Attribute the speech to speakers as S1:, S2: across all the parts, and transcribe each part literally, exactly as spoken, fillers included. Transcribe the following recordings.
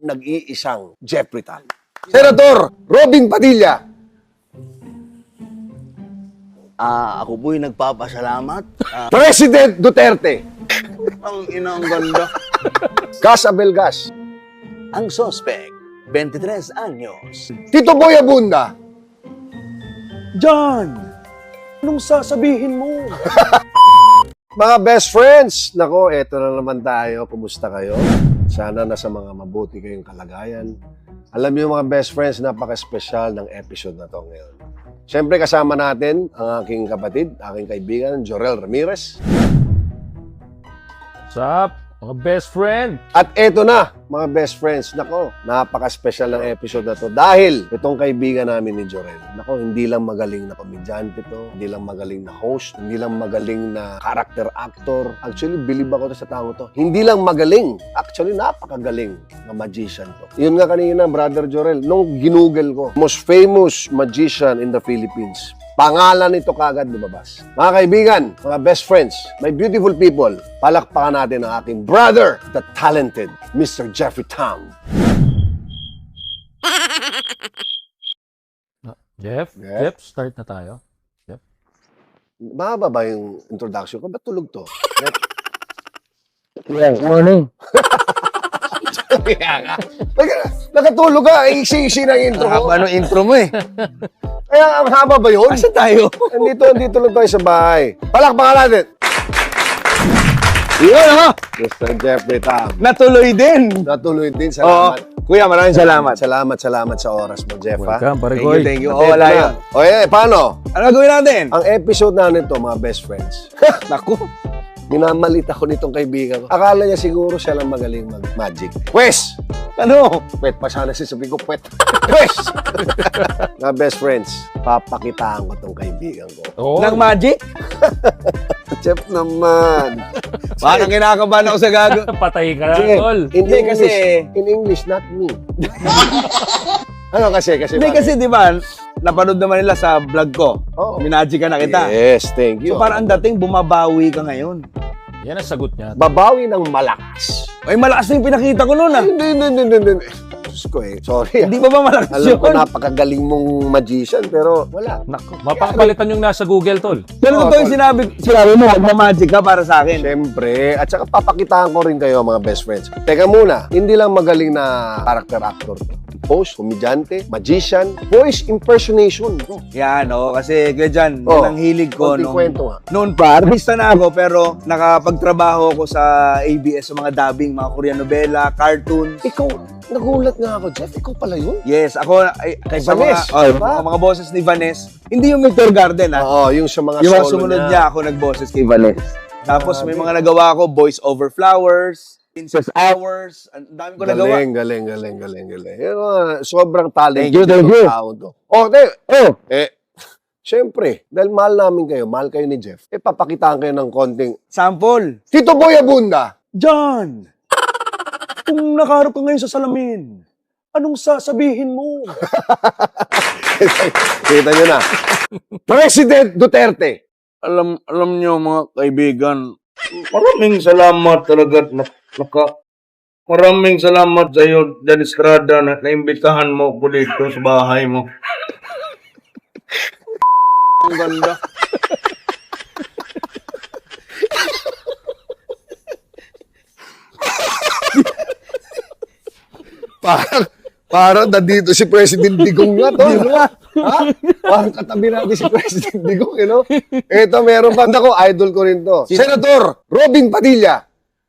S1: nag-iisang Jeffrey Tan. Senator Robin Padilla.
S2: Ah, ako po'y nagpapasalamat. Ah,
S1: President Duterte.
S2: ang inang ganda.
S1: Gas Abelgas.
S2: Ang suspect, twenty-tres anyos.
S1: Tito Boy Abunda.
S2: John! Anong sasabihin mo?
S1: Mga best friends, nako, eto na naman tayo. Kumusta kayo? Sana nasa mga mabuti kayong kalagayan. Alam niyo mga best friends, napaka-special ng episode na to ngayon. Siyempre kasama natin ang aking kapatid, aking kaibigan, Jorel Ramirez.
S3: What's up, mga best friend?
S1: At eto na, mga best friends, nako, napaka-special ng episode na to dahil itong kaibigan namin ni Jorel, nako, hindi lang magaling na komedyante to, hindi lang magaling na host, hindi lang magaling na character actor. Actually, believe ako to sa tao to. Hindi lang magaling, actually, napakagaling na magician to. Yun nga kanina, Brother Jorel, nung ginugel ko, most famous magician in the Philippines. Pangalan nito kagad lumabas. Mga kaibigan, mga best friends, my beautiful people, palakpakan natin ang aking brother, the talented Mister Jeffrey Tam.
S3: Jeff?
S1: Yes?
S3: Jeff, start na tayo. Jeff?
S1: Mahaba ba yung introduction ko? Ba't tulog to?
S3: Yeah, morning.
S1: Naka, nakatulog ka, isi-isi ng intro ko.
S2: Ano intro mo eh?
S1: Kaya ang haba ba yun?
S2: Asa tayo?
S1: Andito, andito lang tayo sa bahay. Palakpakan natin.
S2: Yun ha!
S1: Mister Jeffrey Tam.
S2: Natuloy din.
S1: Natuloy din.
S2: Oo.
S1: Salamat.
S2: Kuya, maraming salamat.
S1: Salamat, salamat sa oras mo, Jeff. ha?
S3: Welcome, pare
S2: Thank you,
S3: Goy.
S2: thank you. Oh, wala yun.
S1: O eh, paano?
S2: Ano gawin natin?
S1: Ang episode na nito, mga best friends.
S2: Naku.
S1: Minamalit ako nitong kaibigan ko. Akala niya siguro siya lang magaling mag-magic. Pwes!
S2: Ano?
S1: Pwet pa sana sasabihin ko, pwet. Pwes! Mga best friends, papakitaan ko tong kaibigan ko.
S3: Oh,
S2: Nang magic?
S1: Jeff naman.
S2: Parang kinakabahan ako sa gago.
S3: patay ka na,
S1: Sige,
S3: tol.
S1: in
S2: Hindi,
S1: English,
S2: kasi-
S1: in English, not me. Ano kasi? Kasi
S2: Hindi
S1: bakit?
S2: kasi di ba, napanood naman nila sa vlog ko.
S1: Oo.
S2: Minagic ka na kita.
S1: Yes, thank you.
S2: So parang ang dating, bumabawi ka ngayon.
S3: Yan ang sagot niya.
S1: Babawi ng malakas.
S2: Ay, malakas na yung pinakita ko noon ah.
S1: Hindi, hindi, hindi, hindi. Diyos ko eh. Sorry.
S2: Hindi ba ba malakas
S1: Alam
S2: yun?
S1: ko napakagaling mong magician, pero wala.
S3: Naku, mapapalitan yung nasa Google, tol.
S2: Pero
S1: Oo,
S2: totoo yung
S1: tol.
S2: sinabi, sinabi mo, magmamagic ka para sa akin.
S1: Siyempre. At saka papakitaan ko rin kayo, mga best friends. Teka muna, hindi lang magaling na character actor to. Host, komedyante, magician, voice impersonation. Oh,
S2: Yan, oh, kasi kaya dyan,
S1: Oh,
S2: yan ang hilig ko.
S1: konting
S2: Nung,
S1: kwento nga.
S2: noon pa, artista na ako, pero nakapagtrabaho ako sa A B S, sa mga dubbing, mga Korean novela, cartoon.
S1: Ikaw, nagulat nga ako, Jeff. Ikaw pala yun?
S2: Yes, ako, ay,
S1: Kay
S2: sa mga,
S1: Vanes,
S2: oh,
S1: diba?
S2: mga, mga boses ni Vanes. Hindi yung Victor Garden, ha?
S1: Oo, yung sa mga
S2: yung mga
S1: solo
S2: sumunod
S1: niya.
S2: niya, ako nagboses kay Vanes. Tapos may mga nagawa ako, Voice Over Flowers, Princess Hours, ang dami ko nagawa.
S1: Galing, galing, galing, galing, galing. Yung mga sobrang talent.
S2: Thank you, thank you.
S1: Tao to. Oh, te, oh, eh, syempre, dahil mahal namin kayo, mahal kayo ni Jeff, eh, papakitaan kayo ng konting,
S2: Sample.
S1: Tito Boy Abunda.
S2: John, kung nakaharap ka ngayon sa salamin, anong sasabihin mo?
S1: Kita nyo na. President Duterte.
S4: alam alam niyo mga kaibigan, maraming salamat talaga na, naka maraming salamat sa iyo, Dan Estrada, na naimbitahan mo ko dito sa bahay mo. Ang ganda.
S1: Parang, parang nandito si President Digong nga to. Ano? Ha? Parang katabi natin si President Digong, you know? Ito, meron pa. Ako, idol ko rin to. Senator Robin Padilla.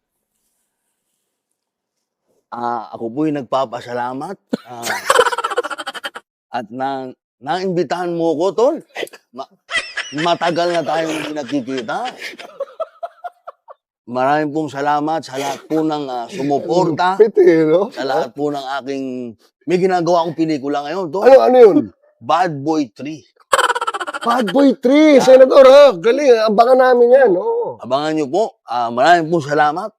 S2: Ah, ako po'y nagpapasalamat. Ah, at na, naimbitahan mo ko, tol. Ma- matagal na tayong hindi nagkikita. Maraming pong salamat sa lahat po ng ah, sumuporta.
S1: Pwede, you know?
S2: Sa lahat po ng aking... May ginagawa akong pelikula ngayon, tol.
S1: Ano, ano yun?
S2: Bad Boy three.
S1: Bad Boy three, Senator, ha? Galing, abangan namin yan, oo.
S2: Abangan niyo po. Ah, maraming pong salamat.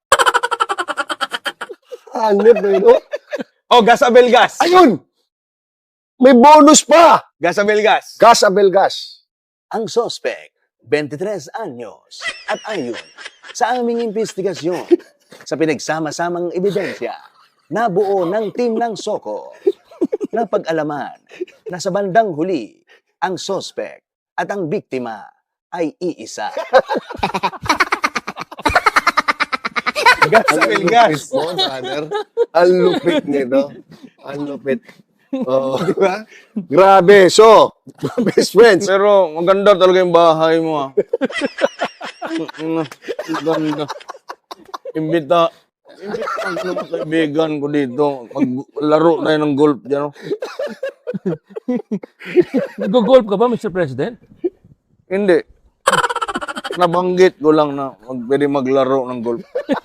S1: Hanip, eh, no?
S2: Oh, Gas Abelgas.
S1: Ayun! May bonus pa!
S2: Gas Abelgas.
S1: Gas Abelgas.
S2: Ang suspect, twenty-tres anyos. At ayon sa aming investigasyon, sa pinagsama-samang ebidensya, nabuo ng team ng Soko. Napag-alaman na sa bandang huli, ang sospek at ang biktima ay iisa. Gas sa
S1: Ang
S2: gas.
S1: lupit mo, brother. Ang lupit nito. Ang lupit. Oh, di ba? Grabe. So, best friends.
S4: Pero maganda talaga yung bahay mo, ah. Mm, Maganda. Imbita. Imbita ang mga kaibigan ko dito. Maglaro tayo ng golf dyan. Oh.
S3: Nag-golf ka ba, Mister President?
S4: Hindi. Nabanggit ko lang na mag, pwede maglaro ng golf.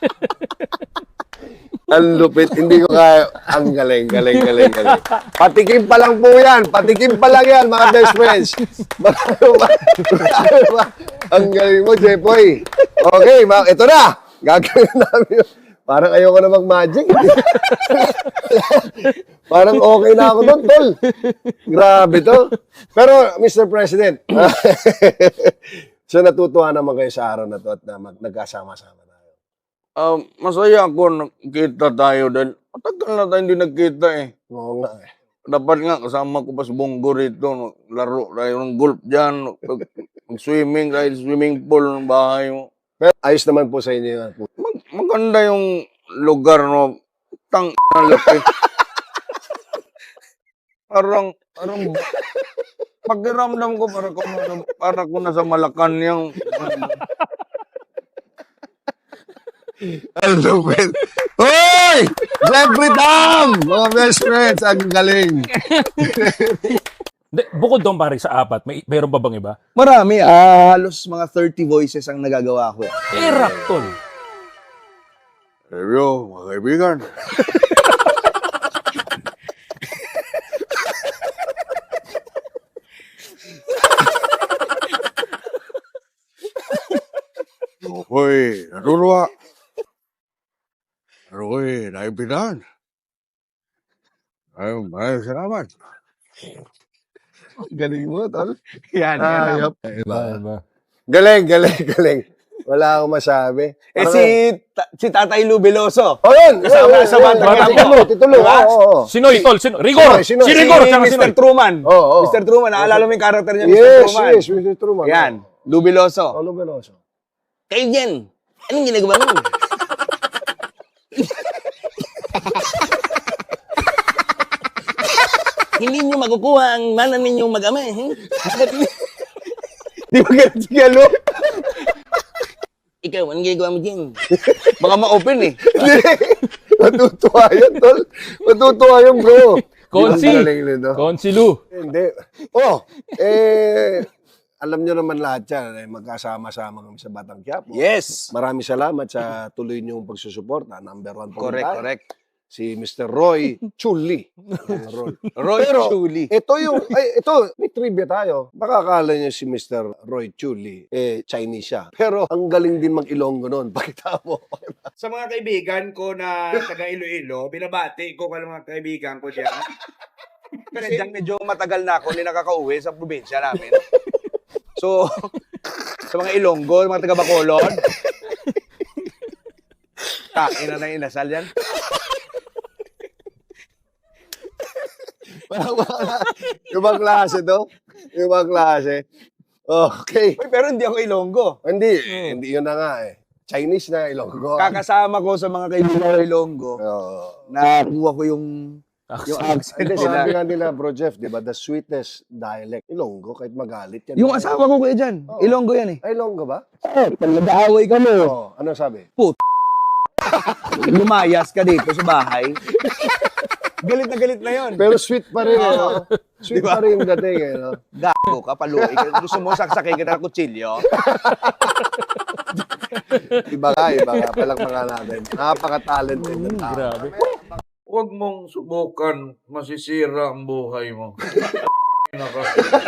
S1: Ang lupit. Hindi ko kaya. Ang galing, galing, galing, galing. Patikim pa lang po yan. Patikim pa lang yan, mga best friends. Marami ba? Marami ba? Ang galing mo, Jepoy. Okay, ma- ito na. Gagawin namin yun. Parang ayoko na mag-magic. Parang okay na ako doon, tol. Grabe to. Pero, Mister President, so natutuwa naman kayo sa araw na to at na mag- nagkasama-sama tayo.
S4: Ah, masaya ako nakita tayo dahil matagal na tayo hindi nagkita eh.
S1: Oo nga eh.
S4: Dapat nga kasama ko pa si Bongo rito. Laro tayo ng golf dyan. Mag-swimming tayo sa swimming pool ng bahay mo.
S1: Pero ayos naman po sa inyo yan.
S4: Mag- maganda yung lugar no. Tang ang laki. parang parang pakiramdam ko para ko na- para ko nasa Malacanang.
S1: Ang lupit. Hoy! Jeffrey Tam! Mga best friends, ang galing.
S3: Hindi, bukod doon pare sa apat, may meron pa bang iba?
S2: Marami, ah, halos mga thirty voices ang nagagawa ko.
S3: Eh, rap, tol.
S4: Review, mga kaibigan. Hoy, natutuwa. Hoy, naibigan. Ay, maraming salamat.
S1: Galing mo, tol.
S2: Yan,
S1: Ayop.
S3: Iba, iba.
S1: Galing, galing, galing. Wala akong masabi.
S2: Eh
S1: Parang-
S2: si, ta- si Tatay Lu Veloso.
S1: Oh, yun!
S2: Kasama
S1: yun,
S2: sa
S1: yun,
S2: Batang
S1: yun.
S2: Quiapo.
S1: Titulo, titulo.
S2: Diba?
S1: Oo, oo.
S3: Sinoy, tol? Sino? Rigor!
S1: Sinoy, Sinoy.
S3: Si Rigor!
S2: Si
S3: Tsaka
S2: mister
S3: Sinoy.
S2: Truman.
S1: Oo, oo.
S2: mister Truman, naalala mo yung karakter niya, mister
S1: Yes,
S2: Truman.
S1: yes, mister Truman.
S2: Yan, Lu Veloso.
S1: Olo Veloso.
S2: Kayo dyan, anong ginagawa mo? Hindi nyo makukuha ang mana ninyong mag-ama. Eh. Di ba ganun si Galo? Ikaw, anong ginagawa mo dyan? Baka ma-open eh.
S1: Matutuwa yun, tol. Matutuwa yun, bro.
S3: Konsi.
S1: Ang galing nito.
S3: Konsi Lu.
S1: Hindi. Oh, eh, alam nyo naman lahat yan, eh, magkasama-sama kami sa Batang Quiapo.
S2: Yes.
S1: Maraming salamat sa tuloy niyong pagsusuporta. Number one po
S2: Correct,
S1: tayo.
S2: correct.
S1: Si Mister Roy Chuli. Roy.
S2: Roy
S1: Pero,
S2: Chuli.
S1: Ito yung, ay, ito, may trivia tayo. Baka akala niyo si Mister Roy Chuli, eh, Chinese siya. Pero, ang galing din mag-Ilonggo nun. Pakita mo.
S5: Sa mga kaibigan ko na taga Iloilo, binabati ko ka mga kaibigan ko diyan.
S2: Kasi dyan medyo matagal na ako, hindi nakaka-uwi sa probinsya namin. So, sa mga Ilonggo, mga taga Bacolod, kain na ng inasal yan.
S1: Ibang klase to. Ibang klase. Okay.
S2: Uy, pero hindi ako Ilonggo.
S1: Hindi, hindi yun na nga eh. Chinese na Ilonggo.
S2: Kakasama ko sa mga kaibigan ko Ilonggo,
S1: Oo.
S2: nakuha ko yung yung accent
S1: Hindi, sabi
S2: nila.
S1: nga nila, Bro Jeff, di ba, the sweetest dialect. Ilonggo, kahit magalit yan.
S2: Yung asawa ko kuya dyan,
S1: Oo.
S2: Ilonggo yan eh.
S1: Ay, Ilonggo ba?
S2: Eh, pag nag-aaway kami,
S1: Oo. Ano sabi?
S2: lumayas ka dito sa bahay. Galit na galit na yon.
S1: Pero sweet pa rin, eh, no? Sweet pa rin yung dating, eh, no?
S2: Gago ka, paluin ka. Gusto mo saksakin kita ng kutsilyo?
S1: Iba ka, iba ka. Palakpakan natin. Napaka-talented ng tao.
S3: Grabe.
S4: Huwag mong subukan, masisira ang buhay mo. Naka.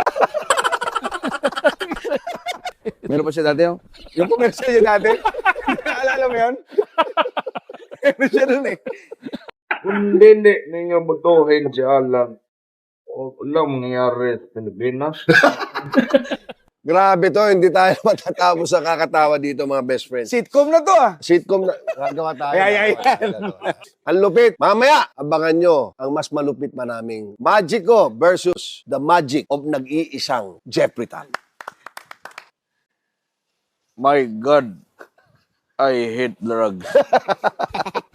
S2: Meron pa siya dati yung, yung commercial niya dati. Alala mo yun? Meron siya dun eh.
S4: Kung hindi ninyo butuhin si Alan, wala mangyayari sa Pilipinas.
S1: Grabe to, hindi tayo matatapos sa kakatawa dito mga best friends.
S5: Sitcom na to ah.
S1: Sitcom na, gagawa tayo.
S5: Ay, ay, ay.
S1: Ang lupit. Mamaya, abangan nyo ang mas malupit pa naming Magico versus the magic of nag-iisang Jeffrey Tan.
S4: My God, I hate drugs.